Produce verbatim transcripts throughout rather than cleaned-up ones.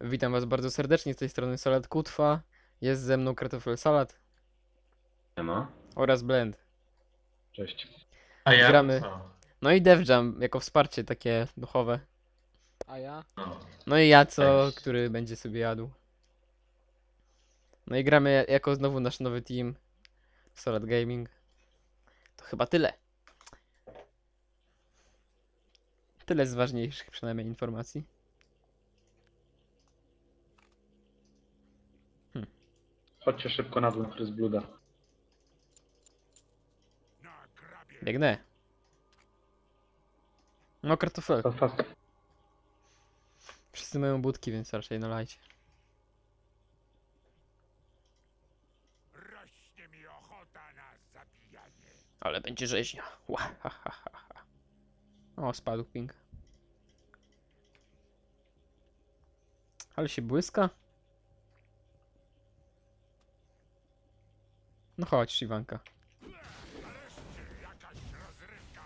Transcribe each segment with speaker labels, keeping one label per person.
Speaker 1: Witam was bardzo serdecznie, z tej strony Salad Kutwa. Jest ze mną Kartofel Salad
Speaker 2: Nie ma.
Speaker 1: oraz Blend.
Speaker 3: Cześć.
Speaker 2: A ja?
Speaker 1: Gramy.
Speaker 2: Co?
Speaker 1: No i DevJam jako wsparcie takie duchowe.
Speaker 4: A ja?
Speaker 2: No.
Speaker 1: No i ja co,
Speaker 2: Cześć.
Speaker 1: który będzie sobie jadł. No i gramy jako znowu nasz nowy team Salad Gaming. To chyba tyle. Tyle z ważniejszych przynajmniej informacji.
Speaker 3: Chodźcie szybko na dół na Chris Bluda.
Speaker 1: Biegnę. No Kartofel.
Speaker 3: Fast, fast.
Speaker 1: Wszyscy mają budki, więc raczej nalajcie.
Speaker 5: Rośnie mi ochota na zabijanie.
Speaker 1: Ale będzie rzeźnia. Ła, ha, ha, ha, ha. O, spadł ping. Ale się błyska. No chodź, Shivanka.
Speaker 5: Nareszcie jakaś rozrywka.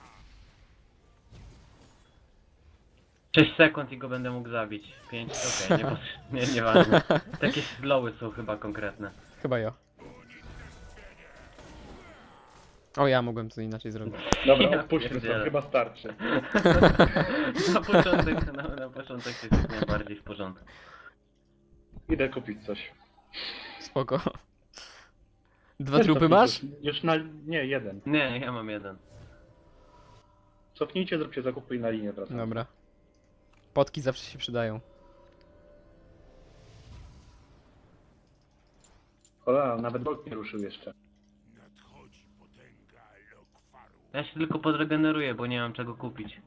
Speaker 2: sześć sekund i go będę mógł zabić. pięć, okej, nie, nie, nieważne. Takie slowy są chyba konkretne.
Speaker 1: Chyba ja. O, ja mogłem to inaczej zrobić.
Speaker 3: Dobra,
Speaker 2: Ja
Speaker 3: odpuśćmy
Speaker 2: pierdzielę.
Speaker 3: to, chyba starczy.
Speaker 2: Na początek, na, na początek jest jak najbardziej w porządku.
Speaker 3: Idę kupić coś.
Speaker 1: Spoko. Dwa
Speaker 3: Też
Speaker 1: trupy
Speaker 3: cofnijcie.
Speaker 1: masz?
Speaker 3: Już, już na... Nie, jeden.
Speaker 2: Nie, ja mam jeden.
Speaker 3: Cofnijcie, zróbcie zakupy i na linię wracam.
Speaker 1: Dobra. Potki zawsze się przydają.
Speaker 3: Ola, nawet Bolt nie ruszył jeszcze.
Speaker 5: Nadchodzi potęga Lokwaru.
Speaker 2: Ja się tylko podregeneruję, bo nie mam czego kupić.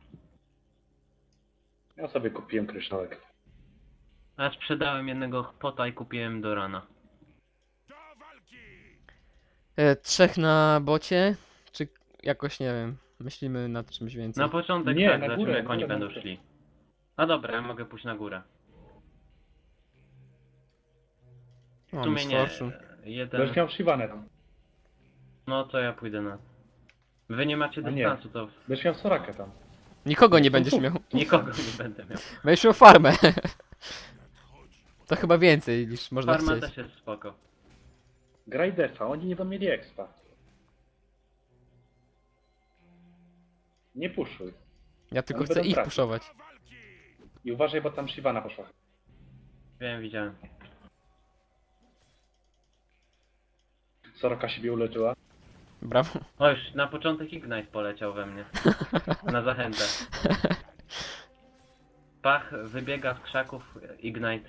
Speaker 3: Ja sobie kupiłem kryształek.
Speaker 2: A sprzedałem jednego pota i kupiłem do rana.
Speaker 5: Do walki!
Speaker 1: E, trzech na bocie? Czy jakoś, nie wiem, myślimy nad czymś więcej?
Speaker 2: Na początek
Speaker 3: Nie,
Speaker 2: tak,
Speaker 3: na
Speaker 2: zobaczymy
Speaker 3: górę,
Speaker 2: jak
Speaker 3: na
Speaker 2: oni
Speaker 3: górę, na
Speaker 2: będą
Speaker 3: górę.
Speaker 2: szli. A dobra, ja mogę pójść na górę. W
Speaker 1: O,
Speaker 2: sumie
Speaker 1: Miss
Speaker 2: nie.
Speaker 1: Fortune.
Speaker 2: Jeden.
Speaker 3: Będziesz miał Shivanę tam.
Speaker 2: No to ja pójdę na. Wy nie macie
Speaker 3: A nie.
Speaker 2: dystansu, to
Speaker 3: Będziesz miał Sorakę tam.
Speaker 1: Nikogo nie
Speaker 3: To
Speaker 1: będziesz
Speaker 3: tu.
Speaker 1: miał.
Speaker 2: nikogo nie będę miał.
Speaker 1: Będziesz miał farmę. To chyba więcej niż można
Speaker 2: Farma
Speaker 1: chcieć.
Speaker 2: też jest spoko.
Speaker 3: Graj defa, oni nie będą mieli expa. Nie puszuj.
Speaker 1: Ja tylko
Speaker 3: Oni
Speaker 1: chcę
Speaker 3: będą
Speaker 1: ich
Speaker 3: tracić.
Speaker 1: puszować.
Speaker 5: Do walki!
Speaker 3: I uważaj, bo tam Shivana poszła.
Speaker 2: Wiem, widziałem.
Speaker 3: Soraka siebie uleczyła.
Speaker 1: Brawo.
Speaker 2: O, już na początek Ignite poleciał we mnie. Na zachętę. Pach wybiega z krzaków Ignite.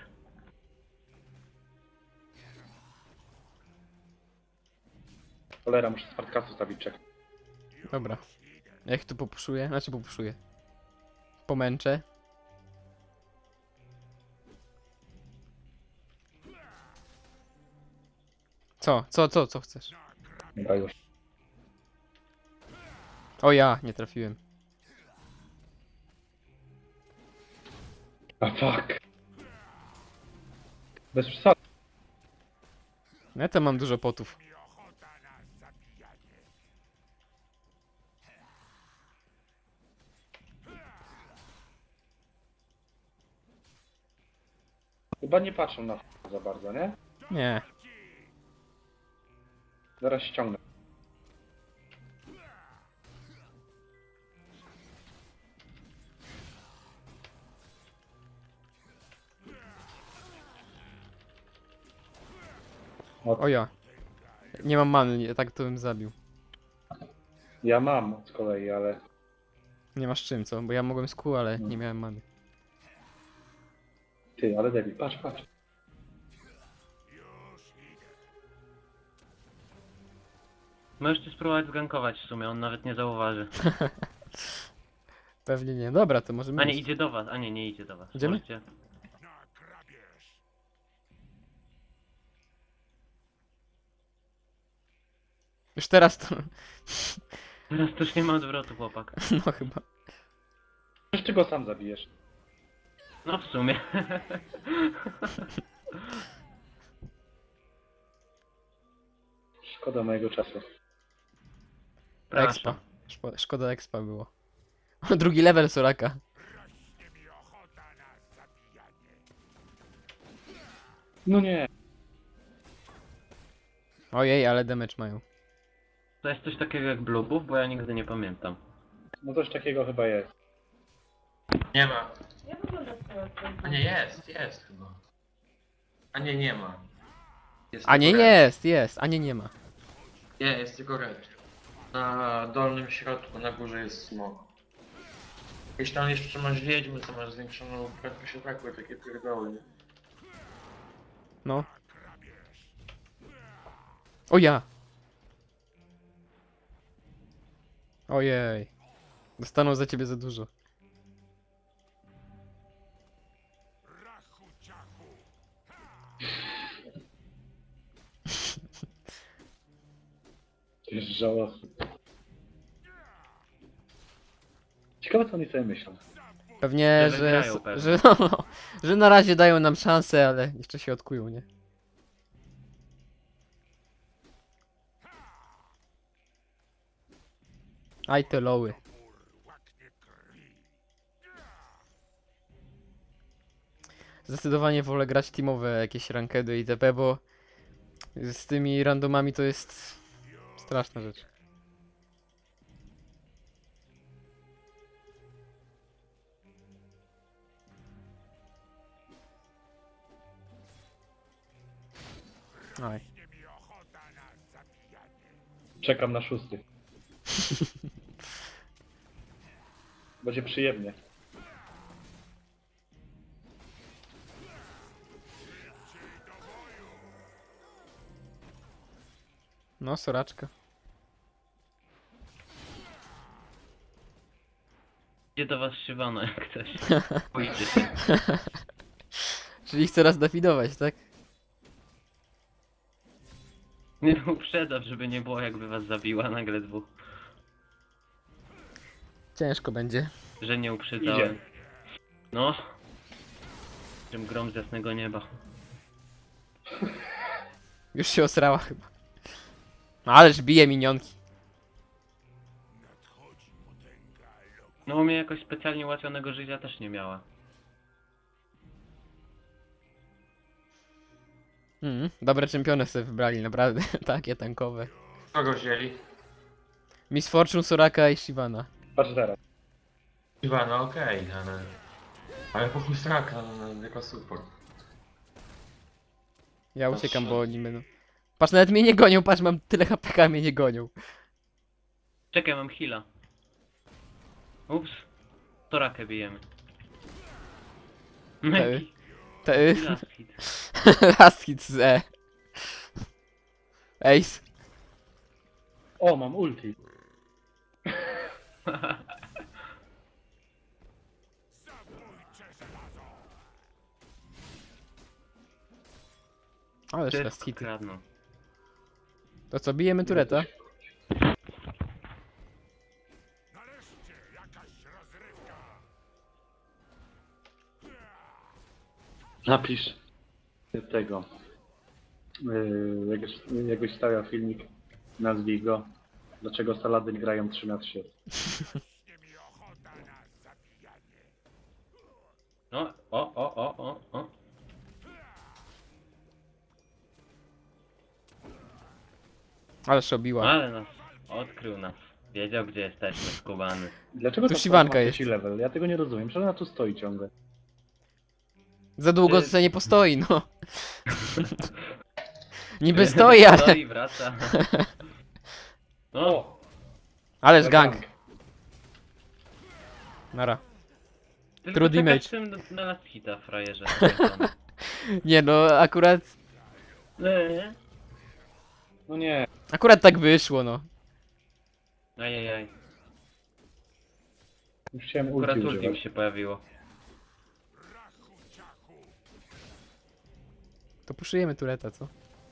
Speaker 3: Cholera, muszę Spartakasu stawić czek.
Speaker 1: Dobra. Ja ich tu popuszuję, znaczy popuszuję. Pomęczę. Co? Co, co, co chcesz?
Speaker 3: Dobra, już.
Speaker 1: O ja, nie trafiłem.
Speaker 3: A fuck. Bez przesady.
Speaker 1: Ja tam mam dużo potów.
Speaker 5: Mi ochota na zabijanie.
Speaker 3: Chyba nie patrzą na f- za bardzo, nie?
Speaker 1: Nie.
Speaker 3: Zaraz ściągnę.
Speaker 1: O ja. Nie mam many, nie, tak to bym zabił.
Speaker 3: Ja mam z kolei, ale...
Speaker 1: Nie masz czym, co? Bo ja mogłem z kół, ale nie miałem many.
Speaker 3: Ty, ale Debbie, patrz, patrz.
Speaker 5: Już idę.
Speaker 2: Możecie spróbować zgankować w sumie, on nawet nie zauważy.
Speaker 1: Pewnie nie. Dobra, to możemy
Speaker 2: A nie,
Speaker 1: iść.
Speaker 2: idzie do was, a nie, nie idzie do was.
Speaker 1: Idziemy?
Speaker 2: Możecie...
Speaker 5: Na grabież.
Speaker 1: Już teraz to...
Speaker 2: Teraz to już nie ma odwrotu, chłopak.
Speaker 1: No chyba.
Speaker 3: Przecież ty go sam zabijesz.
Speaker 2: No w sumie.
Speaker 3: Szkoda mojego czasu.
Speaker 1: Expa. Szko- Szkoda expa było. Drugi level Soraka.
Speaker 5: Rośnie mi ochota na zabijanie.
Speaker 3: No nie.
Speaker 1: Ojej, ale damage mają.
Speaker 2: To jest coś takiego jak Blue Buff, bo ja nigdy nie pamiętam.
Speaker 3: No coś takiego chyba jest.
Speaker 4: Nie ma. A nie, jest, jest chyba. A nie, nie ma. Jest
Speaker 1: A nie
Speaker 4: tylko red.
Speaker 1: jest, jest, a nie nie ma.
Speaker 4: Nie, jest tylko red. Na dolnym środku, na górze jest smok. Jeśli tam jeszcze masz wiedźmy, to masz zwiększoną prędkość ataku i takie pierdoły, nie?
Speaker 1: No. O ja! Ojej. Dostaną za ciebie za dużo.
Speaker 5: Rachu ciachu.
Speaker 3: To jest żałosne. Ciekawe co oni sobie myślą.
Speaker 1: Pewnie,
Speaker 2: Że
Speaker 1: że,
Speaker 2: wygrają
Speaker 1: s-
Speaker 2: pewnie.
Speaker 1: że, no, no, że na razie dają nam szansę, ale jeszcze się odkują, nie? Aj te loły.
Speaker 5: Łaknie krwi.
Speaker 1: Zdecydowanie wolę grać teamowe jakieś rankedy itp, bo z tymi randomami to jest straszna rzecz. Aj.
Speaker 5: Nie mi ochota na zabijanie.
Speaker 3: Czekam na szósty. Będzie przyjemnie.
Speaker 1: No, soraczka.
Speaker 2: Idzie do was Shyvana jak ktoś. Boicie się.
Speaker 1: Czyli chce raz dafidować, tak?
Speaker 2: Nie uprzedzam, żeby nie było jakby was zabiła nagle dwóch.
Speaker 1: Ciężko będzie.
Speaker 2: Że nie uprzedzałem.
Speaker 3: Idzie.
Speaker 2: No. Czym grom z jasnego nieba.
Speaker 1: Już się osrała chyba. Ależ bije minionki.
Speaker 5: Nadchodzi potęga lok.
Speaker 2: No u mnie jakoś specjalnie ułatwionego życia też nie miała.
Speaker 1: Mm, dobre czempiony sobie wybrali, naprawdę. Takie tankowe.
Speaker 4: Kogo wzięli?
Speaker 1: Miss Fortune, Soraka i Shyvana.
Speaker 3: Patrz teraz.
Speaker 4: Iwana, no okej, ale... Ale po chuj straka, no, no, jako support.
Speaker 1: Ja uciekam, bo oni będą... Patrz, nawet mnie nie gonią, patrz, mam tyle H P K, mnie nie gonią.
Speaker 2: Czekaj, mam heala. Ups. Torakę bijemy. Meki.
Speaker 1: Te...
Speaker 2: Last hit.
Speaker 1: Last hit z E. Ace.
Speaker 3: O, mam ulti.
Speaker 5: Zabójcze żelazo.
Speaker 1: Ależ last
Speaker 2: Wszystko
Speaker 1: hity.
Speaker 2: kradną.
Speaker 1: To co, bijemy tureta?
Speaker 5: Nareszcie jakaś rozrywka.
Speaker 3: Napisz tego. Yy, jak, już- jak byś stawiał filmik, nazwij go. Dlaczego Saladyn grają trzy na trzy?
Speaker 5: Nie mi ochota na zabijanie.
Speaker 2: No, o, o, o, o, o.
Speaker 1: Ależ obiła.
Speaker 2: Ale nas odkrył nas. Wiedział gdzie jesteśmy, skubany.
Speaker 3: Dlaczego
Speaker 1: Tu
Speaker 3: to
Speaker 1: Siwanka
Speaker 3: ma
Speaker 1: jest.
Speaker 3: trzeci level? Ja tego nie rozumiem. Przecież ona tu stoi ciągle.
Speaker 1: Za długo
Speaker 2: Ty-
Speaker 1: sobie nie postoi, no. Niby stoi, ale...
Speaker 2: Stoi, wraca. No,
Speaker 3: O!
Speaker 1: Ależ gang.
Speaker 3: Gang.
Speaker 1: Nara.
Speaker 2: tylko
Speaker 1: true
Speaker 2: czekasz
Speaker 1: damage.
Speaker 2: czym na- na last hita, frajerze.
Speaker 1: Nie no, akurat...
Speaker 2: Nie.
Speaker 3: No nie.
Speaker 1: Akurat tak wyszło, no.
Speaker 2: Ajajaj.
Speaker 3: Już chciałem
Speaker 2: Akurat
Speaker 3: ulti
Speaker 2: ulti mi
Speaker 3: używać.
Speaker 2: się pojawiło.
Speaker 5: Rachu ciachu.
Speaker 1: To puszujemy tureta, co?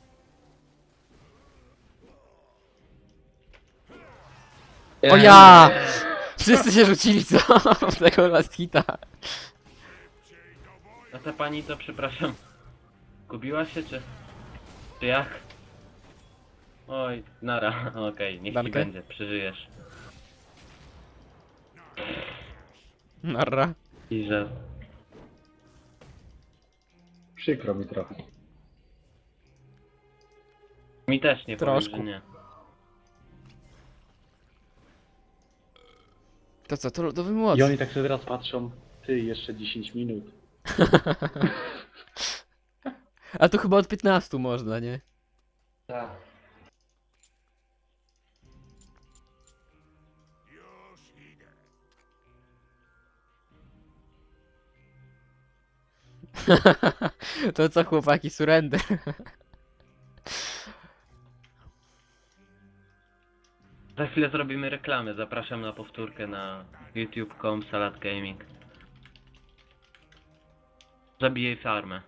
Speaker 1: O ja! Wszyscy się rzucili, co? W tego last hita.
Speaker 2: A ta pani to, przepraszam, gubiła się, czy... Czy jak? Oj, nara, okej, niech ci
Speaker 1: Dankę?
Speaker 2: będzie, przeżyjesz.
Speaker 1: Narra.
Speaker 2: I że...
Speaker 3: Przykro mi trochę.
Speaker 2: Mi też nie powiem,
Speaker 1: Troszkę.
Speaker 2: że nie.
Speaker 1: To co, to lodowy
Speaker 3: I
Speaker 1: młot.
Speaker 3: oni tak sobie teraz patrzą, ty, jeszcze dziesięć minut.
Speaker 1: A to chyba od piętnastu można, nie?
Speaker 4: Tak.
Speaker 5: Już idę.
Speaker 1: To co chłopaki, surrender.
Speaker 2: Za chwilę zrobimy reklamę. Zapraszam na powtórkę na youtube kropka com Salad Gaming. Zabijaj farmę.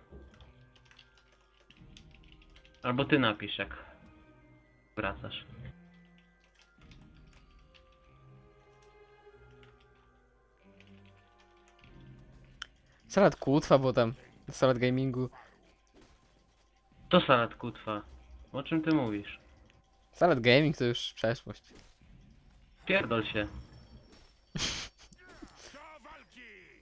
Speaker 2: Albo ty napisz, jak wracasz.
Speaker 1: Salad kłótwa, bo tam na salad gamingu.
Speaker 2: To Salad Kutwa. O czym ty mówisz?
Speaker 1: Salad gaming to już przeszłość.
Speaker 2: Pierdol się.
Speaker 5: Do walki!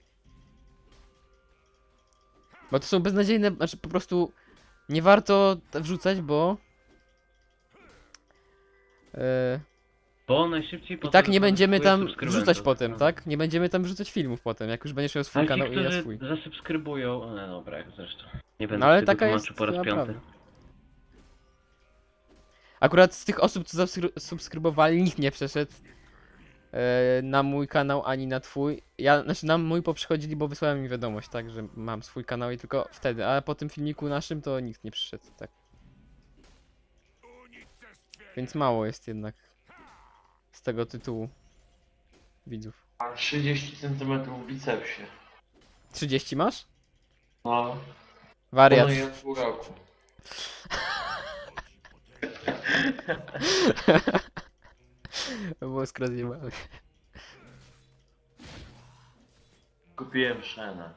Speaker 1: Bo to są beznadziejne, znaczy po prostu nie warto t- wrzucać, bo e,
Speaker 2: Bo najszybciej
Speaker 1: i tak nie będziemy tam wrzucać
Speaker 2: No.
Speaker 1: potem, tak? Nie będziemy tam wrzucać filmów potem, jak już będziesz miał swój
Speaker 2: Ale ci,
Speaker 1: kanał i ja
Speaker 2: którzy
Speaker 1: swój.
Speaker 2: zasubskrybują... O, no dobra, jak zresztą. Nie będę
Speaker 1: No ale
Speaker 2: tego
Speaker 1: taka
Speaker 2: tłumaczył
Speaker 1: jest
Speaker 2: po raz
Speaker 1: chyba
Speaker 2: piąty.
Speaker 1: prawda. Akurat z tych osób, co zasubskrybowali, nikt nie przeszedł e, na mój kanał ani na twój. Ja, znaczy na mój poprzychodzili, bo wysłałem mi wiadomość, tak, że mam swój kanał i tylko wtedy, a po tym filmiku naszym to nikt nie przyszedł, tak.
Speaker 5: Unicestwienie!
Speaker 1: Więc mało jest jednak z tego tytułu widzów.
Speaker 4: Mam trzydzieści centymetrów w bicepsie.
Speaker 1: trzydzieści masz?
Speaker 4: No.
Speaker 1: Wariat.
Speaker 4: Planuję w pół roku.
Speaker 1: Mózg rozjebany.
Speaker 4: Kupiłem Shena.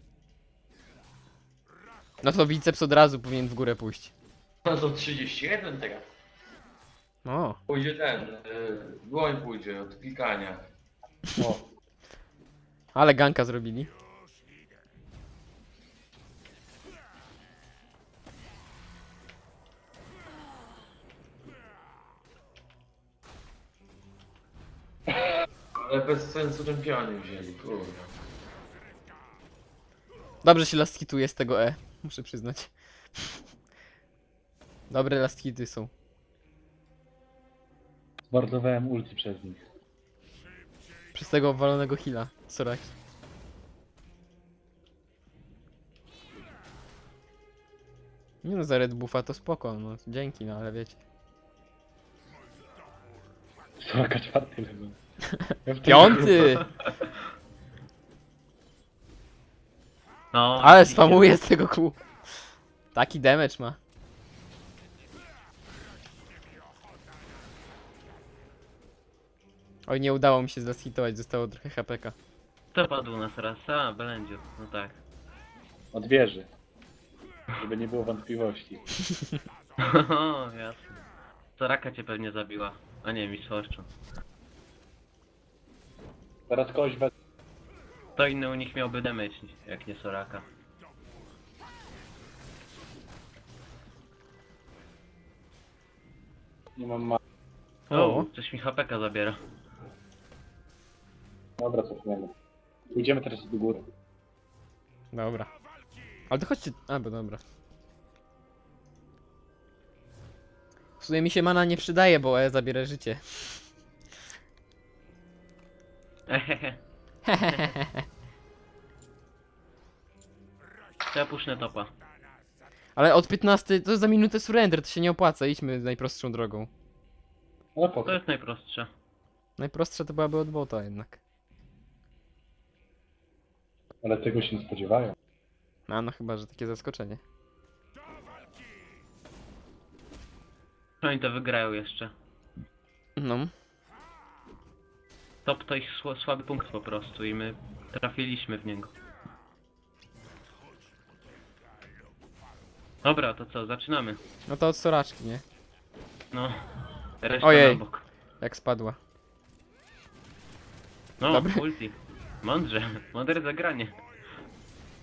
Speaker 1: No to biceps od razu powinien w górę pójść.
Speaker 4: No to trzydzieści jeden teraz.
Speaker 1: O,
Speaker 4: Pójdzie ten, yy, dłoń pójdzie od klikania.
Speaker 3: O,
Speaker 1: ale ganka zrobili.
Speaker 4: Ale bez sensu czempioni wzięli, kurwa.
Speaker 1: Dobrze się last hituje z tego E, muszę przyznać. Dobre last hity są.
Speaker 3: zmordowałem ulti przez nich.
Speaker 1: Przez tego walonego heala, Soraki. Nie no, za Red Buffa to spoko, no dzięki, no ale wiecie.
Speaker 3: Soraka czwarty level. Ja w tym-
Speaker 1: Piąty!
Speaker 2: No,
Speaker 1: Ale
Speaker 2: widzicie.
Speaker 1: spamuje z tego kół. Taki damage ma. Oj, nie udało mi się zlashitować, zostało trochę H P K.
Speaker 2: Kto padł nas raz? A, Belędziu. No tak.
Speaker 3: Od wieży. Żeby nie było wątpliwości.
Speaker 2: O, jasne. Soraka cię pewnie zabiła. A nie, Miss Fortune.
Speaker 3: Teraz kogoś we...
Speaker 2: To inny u nich miałby damage, jak nie Soraka.
Speaker 3: Nie mam ma...
Speaker 2: O,
Speaker 1: O.
Speaker 2: coś mi H P K zabiera.
Speaker 3: Dobra, cofniemy. Pójdziemy teraz do góry.
Speaker 1: Dobra. Ale to chodźcie... A, bo dobra. W sumie mi się mana nie przydaje, bo E zabiera życie.
Speaker 2: Ehehe. Ja puszczę topa.
Speaker 1: Ale od piętnastej to za minutę surrender, to się nie opłaca, idźmy najprostszą drogą.
Speaker 3: Ale po
Speaker 2: To jest najprostsze.
Speaker 1: Najprostsza to byłaby od bota jednak.
Speaker 3: Ale tego się nie spodziewają.
Speaker 1: A no chyba, że takie zaskoczenie.
Speaker 2: Oni to wygrają jeszcze.
Speaker 1: No.
Speaker 2: Top to ich sła- słaby punkt po prostu i my trafiliśmy w niego. Dobra, to co, zaczynamy.
Speaker 1: No to od Soraczki, nie?
Speaker 2: No, reszta
Speaker 1: Ojej.
Speaker 2: na bok.
Speaker 1: Jak spadła.
Speaker 2: No,
Speaker 1: Dobry.
Speaker 2: ulti. Mądrze, mądre zagranie.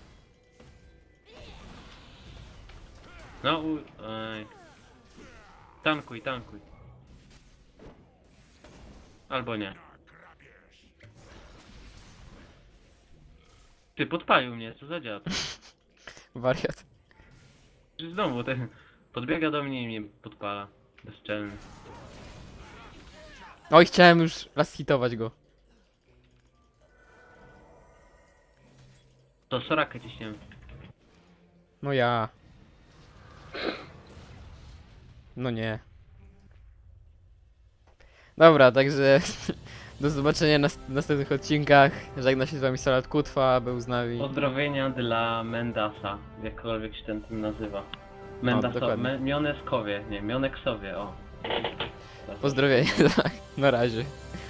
Speaker 2: No, u... Ej. Tankuj, tankuj. Albo nie. Ty, podpalił mnie, co za dziad.
Speaker 1: Wariat.
Speaker 2: Znowu ten podbiega do mnie i mnie podpala. Bezczelny.
Speaker 1: Oj, chciałem już raz hitować go.
Speaker 2: To Sorakę ciśniemy.
Speaker 1: No ja. No nie. Dobra, także do zobaczenia na w następnych odcinkach. Żegna się z wami Salat Kutwa, był z nami.
Speaker 2: Pozdrowienia dla Mendasa, jakkolwiek się ten tym nazywa. Mendasa,
Speaker 1: dokładnie.
Speaker 2: me, Mioneskowie, nie, Mioneksowie, o.
Speaker 1: Pozdrowienia, tak. Na razie.